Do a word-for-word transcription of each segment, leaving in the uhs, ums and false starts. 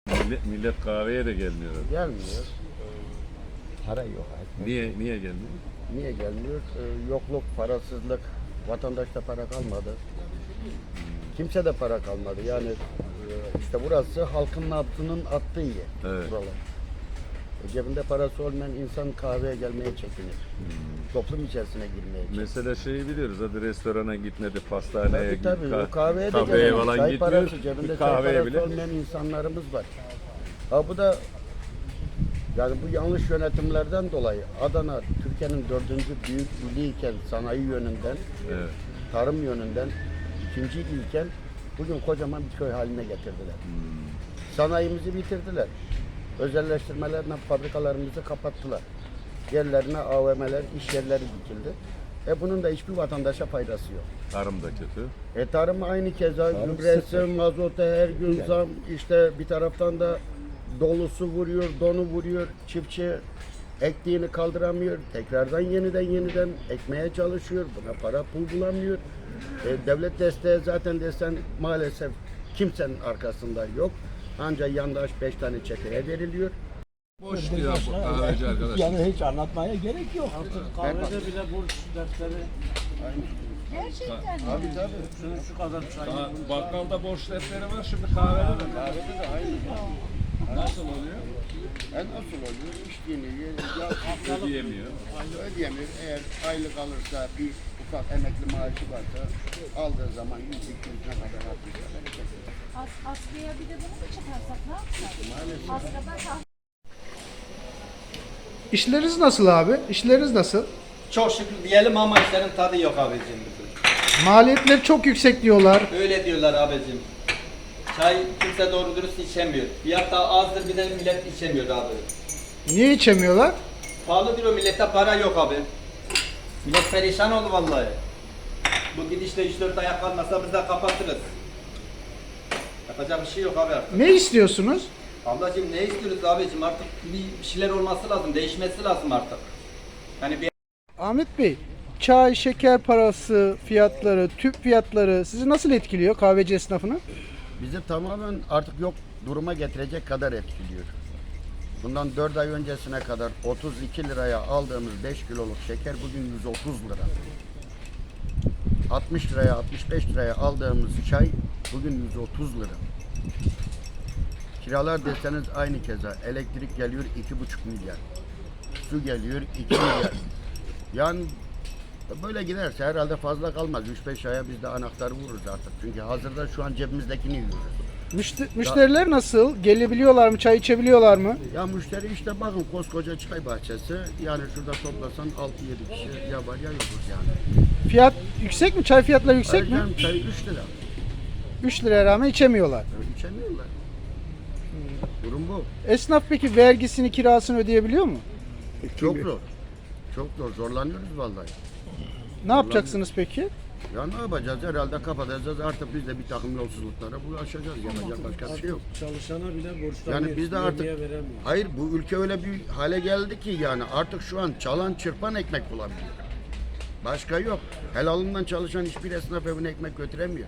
Millet, millet kahveye de gelmiyor. Gelmiyor. Para yok. Niye niye gelmiyor? Niye gelmiyor? Ee, yokluk, parasızlık, vatandaşta para kalmadı. Kimse de para kalmadı. Yani e, işte burası halkın nabzının attığı yer. Evet. Buralar. E, cebinde parası olmayan insan kahveye gelmeye çekinir. Toplum içerisine girmeye çekinir. Mesela şeyi biliyoruz, hadi restorana gitmedi, pastaneye Tabii git, tabii. ka- O kahveye de kafeye gelen, falan çay gitmiyor, parası, cebinde bir çay kahveye parası bile. olmayan insanlarımız var. Ha bu da yani bu yanlış yönetimlerden dolayı Adana Türkiye'nin dördüncü büyük iliyken sanayi yönünden, Evet. tarım yönünden ikinci ilken bugün kocaman bir köy haline getirdiler. Hmm. Sanayimizi bitirdiler. Özelleştirmelerle fabrikalarımızı kapattılar. Yerlerine A V M'ler, iş yerleri dikildi. E bunun da hiçbir vatandaşa faydası yok. Tarım da kötü. E tarım aynı keza, Tarım gübresi, sıfır. mazota her gün zam, işte bir taraftan da dolusu vuruyor, donu vuruyor, çiftçi ektiğini kaldıramıyor, tekrardan yeniden yeniden ekmeye çalışıyor, buna para pul bulamıyor. E, devlet desteği zaten desen maalesef kimsenin arkasında yok. Ancak yandaş beş tane çeteye veriliyor. Boş diyor bu kahveci arkadaş. Yani hiç anlatmaya gerek yok. Kahvede bile borç dersleri Gerçekten mi? Tabii tabii. şu, şu kadar çay. Daha bakkalda borç defteri var, şimdi kahvede de. Kahvede de aynı. Nasıl oluyor? E nasıl oluyor? İçtiğini ya Ödeyemiyor. ödeyemiyor. Eğer aylık alırsa bir ufak emekli maaşı varsa aldığı zaman yüz iki yüz ne kadar harcayacak? As, askıya bir de bunu mu çıkarsak ne yapsak? Askıda sah- İşleriniz nasıl abi? İşleriniz nasıl? Çok şükür diyelim ama işlerin tadı yok abicim. Maliyetler çok yüksek diyorlar. Öyle diyorlar abicim. Çay kimse doğru dürüst içemiyor. Fiyat da azdır, bir de millet içemiyor abi. Niye içemiyorlar? Pahalı diyor, millette para yok abi. Millet perişan oldu vallahi. Bu gidişle üç dört ayak kalmasa biz de kapatırız. Yapacak bir şey yok abi artık. Ne istiyorsunuz? Ablacığım ne istiyoruz abicim, artık bir şeyler olması lazım, değişmesi lazım artık. Yani bir Ahmet Bey, çay, şeker parası fiyatları, tüp fiyatları sizi nasıl etkiliyor kahveci esnafını? Bizi tamamen artık yok duruma getirecek kadar etkiliyor. Bundan dört ay öncesine kadar otuz iki liraya aldığımız beş kiloluk şeker bugün yüz otuz lira. altmış liraya altmış beş liraya aldığımız çay bugün yüz otuz lira. Kiralar deseniz aynı keza. Elektrik geliyor iki buçuk milyar. Su geliyor iki milyar. Yani böyle giderse herhalde fazla kalmaz. üç beş aya biz de anahtarı vururuz artık. Çünkü hazırda şu an cebimizdekini yiyoruz. Müşte- müşteriler nasıl? Gelebiliyorlar mı? Çay içebiliyorlar mı? Ya müşteri işte bakın koskoca çay bahçesi. Yani şurada toplasan altı yedi kişi ya var ya yokuz yani. Fiyat yüksek mi? Çay fiyatları yüksek mi? Ayrıca çay üç lira. üç liraya rağmen içemiyorlar. Yani içemiyorlar. Durum bu. Esnaf peki vergisini, kirasını ödeyebiliyor mu? Çok zor. Çok zor. Zorlanıyoruz vallahi. Ne yapacaksınız peki? Ya ne yapacağız? Herhalde kapatacağız. Artık biz de bir takım yolsuzluklara bulaşacağız. Yapacak başka bir şey yok. Çalışana bile borçlanıyor. Yani biz de artık Vergiye veremiyor. hayır bu ülke öyle bir hale geldi ki yani artık şu an çalan çırpan ekmek bulabiliyor. Başka yok. Helalından çalışan hiçbir esnaf evine ekmek götüremiyor.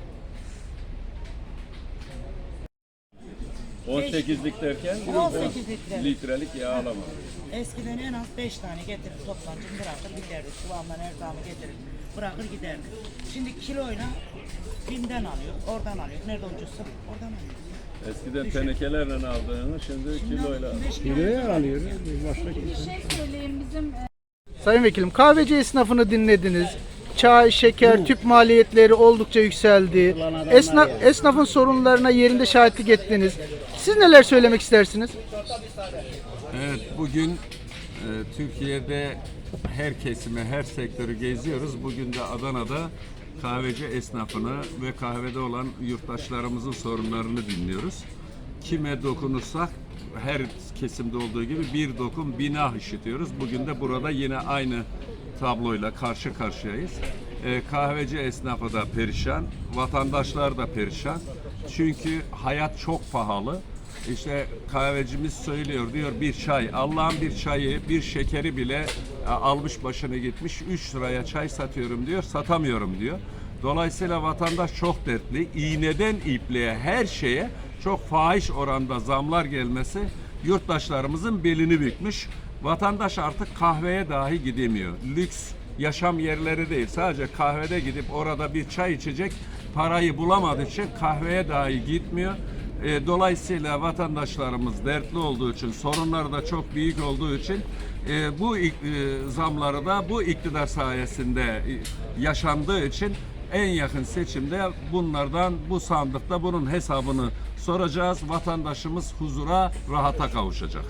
on sekizlik derken on sekiz litre. litrelik yağ alamaz. Eskiden en az beş tane getirir toplancı bırakır giderdi. Çuvaldan erzağını getirir bırakır giderdi. Şimdi kiloyla Bim'den alıyor, oradan alıyor. Nerede ucuzsa oradan alıyor. Eskiden tenekelerle aldığını şimdi kiloyla al. beş kilo Kiloya alıyor. Başka Bir şey söyleyeyim bizim e, Sayın Vekilim, kahveci esnafını dinlediniz. Çay, şeker, tüp maliyetleri oldukça yükseldi. Esnaf, esnafın sorunlarına yerinde şahitlik ettiniz. Siz neler söylemek istersiniz? Evet, bugün e, Türkiye'de her kesimi, her sektörü geziyoruz. Bugün de Adana'da kahveci esnafını ve kahvede olan yurttaşlarımızın sorunlarını dinliyoruz. Kime dokunursak her kesimde olduğu gibi bir dokun bina işitiyoruz. Bugün de burada yine aynı tabloyla karşı karşıyayız. Ee, kahveci esnafı da perişan, vatandaşlar da perişan. Çünkü hayat çok pahalı. İşte kahvecimiz söylüyor, diyor bir çay, Allah'ın bir çayı, bir şekeri bile e, almış başını gitmiş, üç liraya çay satıyorum diyor, satamıyorum diyor. Dolayısıyla vatandaş çok dertli. İğneden ipliğe her şeye çok fahiş oranda zamlar gelmesi yurttaşlarımızın belini bükmüş. Vatandaş artık kahveye dahi gidemiyor. Lüks yaşam yerleri değil, sadece kahvede gidip orada bir çay içecek parayı bulamadığı için kahveye dahi gitmiyor. E, dolayısıyla vatandaşlarımız dertli olduğu için, sorunları da çok büyük olduğu için e, bu e, zamları da bu iktidar sayesinde e, yaşandığı için en yakın seçimde bunlardan, bu sandıkta bunun hesabını soracağız. Vatandaşımız huzura, rahata kavuşacak.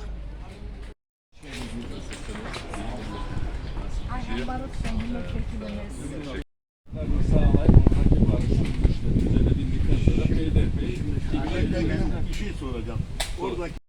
Ayhan Barut Bey milletvekilimiz. Sağlayıp oradaki barışın işte düzenedildikten sonra Beylerbeyi Bir şey soracağım. Oradaki